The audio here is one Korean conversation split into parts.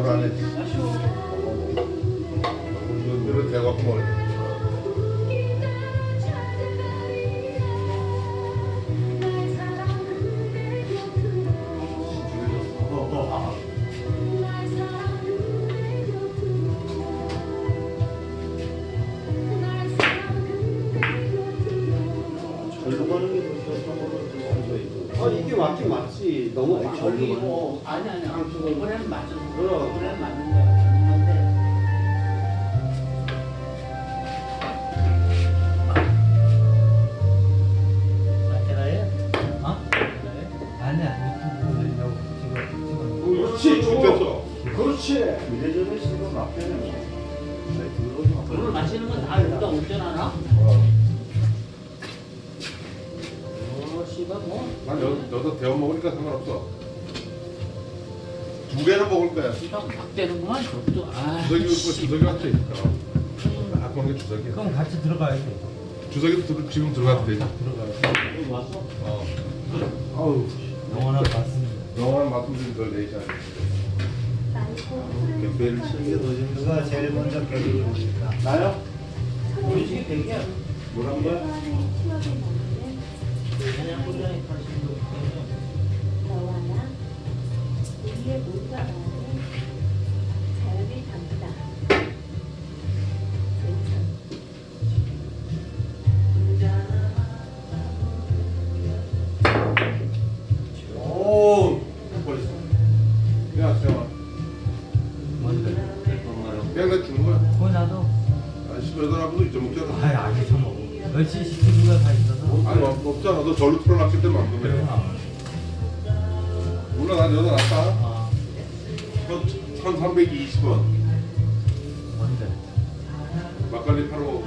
뭘 안 해. 이거 대갖고 먹어. 이게 맞긴 맞지. 너무 저기고 아니 이번에는 맞은 그럼. 이번에는 맞는 거야. 맞는 건데. 맞잖아요. 어? 아니야 유튜브 올리려고 지금 그렇지. 죽겠어. 그렇지. 미래전에 쓰던 앞에는 오늘 마시는 건 다 우리가 운전하나? 씨발 뭐. 난 여기서 데워 먹으니까 상관없어. 두 개는 먹을 거야. 씨발 막 되는구만 저도. 아. 주석이한테 있다. 아, 그런 게 주석이야. 그럼 같이 들어가야지. 주석이도 지금 들어가도 되지. 들어가야지. 여기 왔어? 어. 아우. 영원한 맞습니다. 영원한 맛좀 덜 내자. 배를 치는 게 더 재밌어. 누가 제일 먼저 배를 올릴까? 나요? 우리 집이 되게 뭐란 거야? 그냥 운전에 관심도 없고. 너와 나 우리의 모두가 말하는 자연의 담다. 오. 버렸어. 야, 세영아. 뭔데? 그냥 나 주는 거야. 그거 나도. 아, 18하고도 잊어먹잖아. 아예 안 쳐먹어. 멸치 시키는 거 다 있어서. 아니, 없잖아. 너 절로 틀어놨기 때문에 안 그래. 그래요. 몰라, 난 여자 낫다. 아 1320원. 뭔데? 막걸리 팔러 가.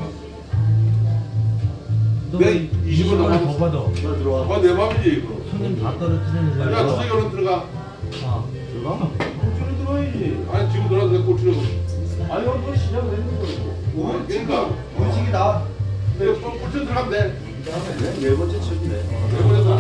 너 네, 20원 20원 더 더 받아. 너 들어와. 아, 내 맘이지, 이거. 손님 다 떨어뜨리는 야, 거야. 주석이 얼른 들어가. 아 들어가? 꼴찌로 들어와야지. 아니, 지금 들어가도 내 꼴찌로. 아니 너 시작을 했는 거고. 그러니까. 음식이 나와. 꼴찌로 들어가면 돼. 네 번째 칠이네. 내 번째다.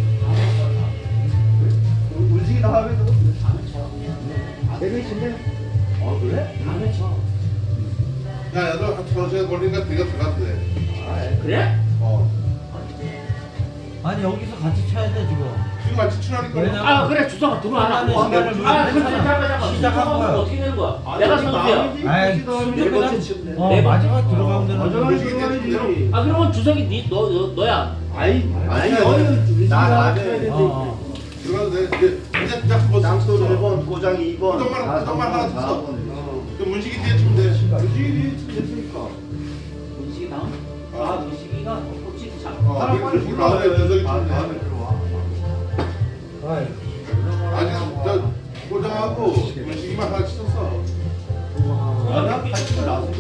음식이 나와면 또. 내가 있는데. 아 그래? 다음에 쳐. 야, 너 한 1,000원씩 걸리니까 네가 들어가도 돼. 그래? 어. 아니 여기서 같이 쳐야 돼 지금. 지금 같이 친하니까. 왜냐면- 아 그래 주성아 들어와라. 하나는 시간을 아 근데 위해서 잠깐 시작한 거야. 어떻게 되는 거야? 내가 선수야. 아이 네 번째 칠이네. 네 마지막 들어가면 되는 마지막에 거지. 들어가야지. 아 그러면 주석이 너야. 아니 아니, 나 나는 들어가도 돼. 이제 한번 땅돌 써. 1번, 고장 2번, 고장만 하나 써. 4번. 그 문식이 뒤에 치면 돼. 음식이 됐으니까. 문식이 나온? 어. 아 문식이가 혹시 참. 어, 그 다음에 주석이 치면 다음에 돼. 들어와. 아직 저 고장하고 문식이만 하나 치셨어. 아니야? 같이 나서.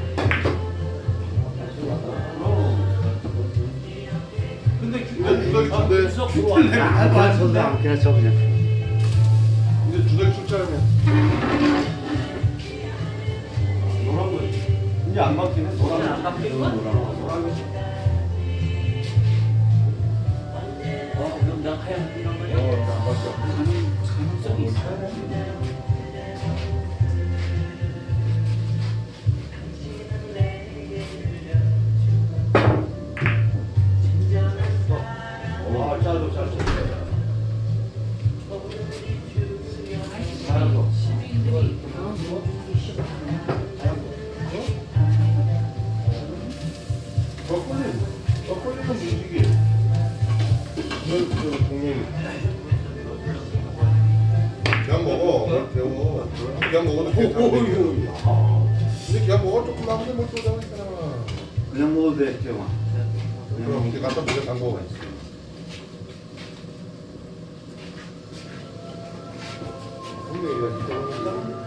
근데 이제 주석이 치면 돼. 주석 들어와. 안 쳐도 안 그냥 쳐 그냥. 이제 주석이 출자하면. 노란 거. 이제 안 바뀌네. 이제 안 바뀔 거야? 그럼 내가 하얀 이런 거야? 안 봤어. 가능성이 있어. 와, 짧아, 짧아. 시민들이 그런 뭐 주기 싫어하냐? 덕분이는 문식이. 저 동님. 그냥 먹어. 뭘 데워. 그냥 먹어도 괜찮아. 근데 그냥 먹어. 조금 남은데 뭘 또 잡았잖아. 그냥 먹어도 돼, 경아. 그럼 이제 갖다 물에 담궈. 근데 이거 진짜 먹는다?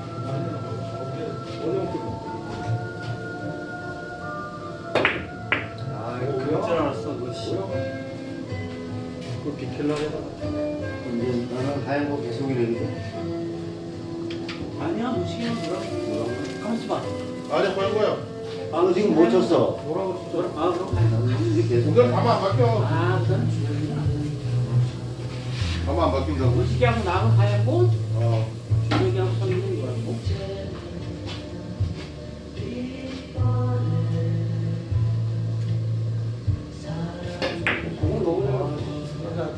아, 이거 그럴 줄 알았어, 그 씨. 그거 비킬라 해봐. 이제 나는 하얀 거 계속 이래거든. 아니야 문식이는 그럼 가만있어 봐. 아니, 하얀 거야. 아, 너 지금 못 쳤어. 뭐라고 진짜. 아 그럼 가야 나는 이제 계속. 이걸 가면 안 바뀌어. 아 그건 주석이구나. 가면 안 바뀐다고. 문식이하고 나하고 하얀 거 어. 주석이하고 선이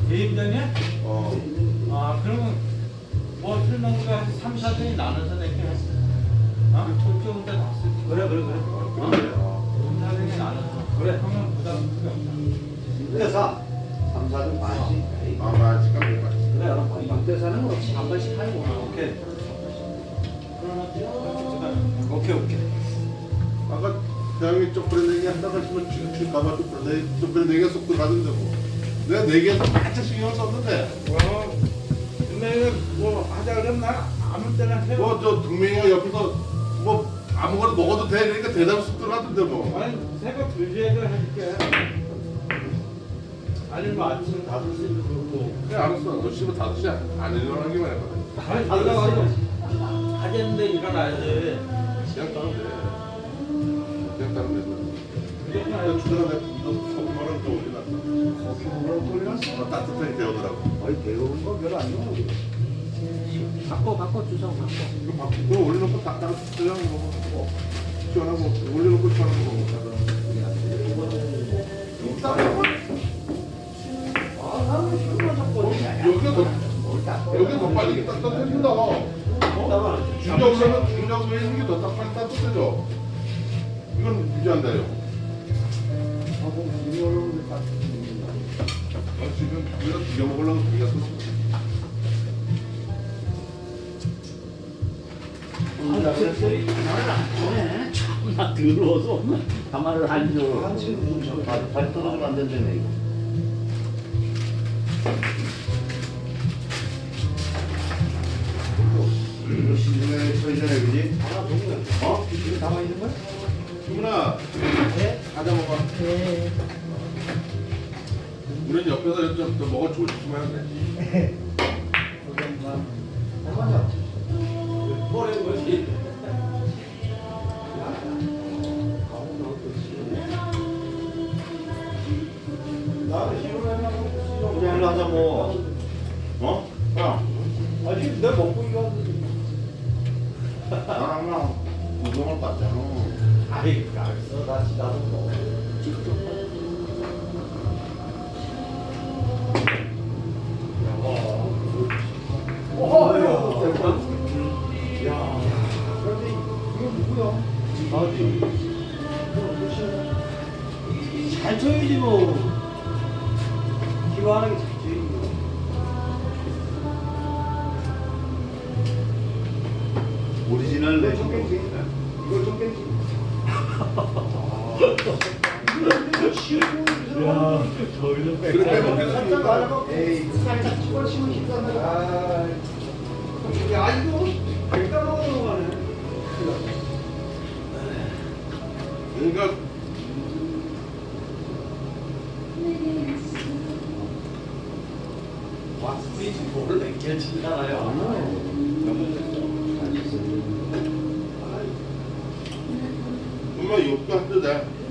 개입장이야? 어. 아 그러면 뭐 틀는 거 3, 4등이 나눠서 내게 그쪽은 다 쓰지. 그래. 어? 3, 4등이 나눠서 그래 하면 부담 크게 없다. 그래서 3, 4등 반씩. 아마 지금 내가 그래. 박대사는 없이 한 번씩 팔고. 오케이. 그러면 오케이. 아까 대형이 쪽브레 얘기 한다고 하시면 지금 가봐 쪽브레 얘기가 쏙 들어가던데 뭐. 내가 네 개에서 살짝 신경 썼는데 근데 뭐 하자 그러면 난 아무 때나 해. 뭐 저 동맹이가 옆에서 뭐 아무거나 먹어도 돼 그러니까 대답 쏙 들어가던데 뭐. 아니 새벽 2시에도 해줄게. 아니면 뭐 아침 5시에도 그렇고. 그래 알았어. 너 씨발 5시 안 일어나기만 해봐. 아니 내가 와서 하겠는데 일어나야 돼. 그냥 따면 돼. 그냥 따면 돼. 무조건 나 해야지. 주다가 내가 이거 소금만을 좀 올려놨어. 커피 먹으라고 돌려놨어. 따뜻하게 데우더라고. 아니 데우는 거 별로 안 좋아. 바꿔 주소 바꿔. 이거 바꾸고 올려놓고 딱 그냥 먹어. 시원하고 올려놓고 시원하고 먹어. 여기가 더 빨리 따뜻해진다. 중력 왜 이게 더 빨리 따뜻해져? 이건 유지한다요. 지금 우리가 비벼 먹으려고 고기가 쏟지. 참나 더러워서 가만을 안 줘. 발 떨어지면 안 된다며 이거. 이거 시중에 처리전에 그지? 어? 이거 담아 있는 거야? 수문아, 가자 먹어. 네. 우리는 옆에서 좀 더 먹어주고 싶으면 안 돼. 뭐라는 거지? 그냥 일로 하자 뭐. 어? 야, 아니 내가 먹고 이거 나랑 우동을 봤잖아. 아이 알았어 나도 먹어. 잘 쳐야지 뭐. 기와하게 잘 쳐야지. 오리지널 내신 거. 이거 좀 뺀지. 그렇게 먹겠습니다. 에이, 살짝 집어치면 힘들다. 야, 이거 백다 먹는 거네. 그러니까 왁스이지 뭘 냉겨지잖아요. 정말 욕도 한도 돼.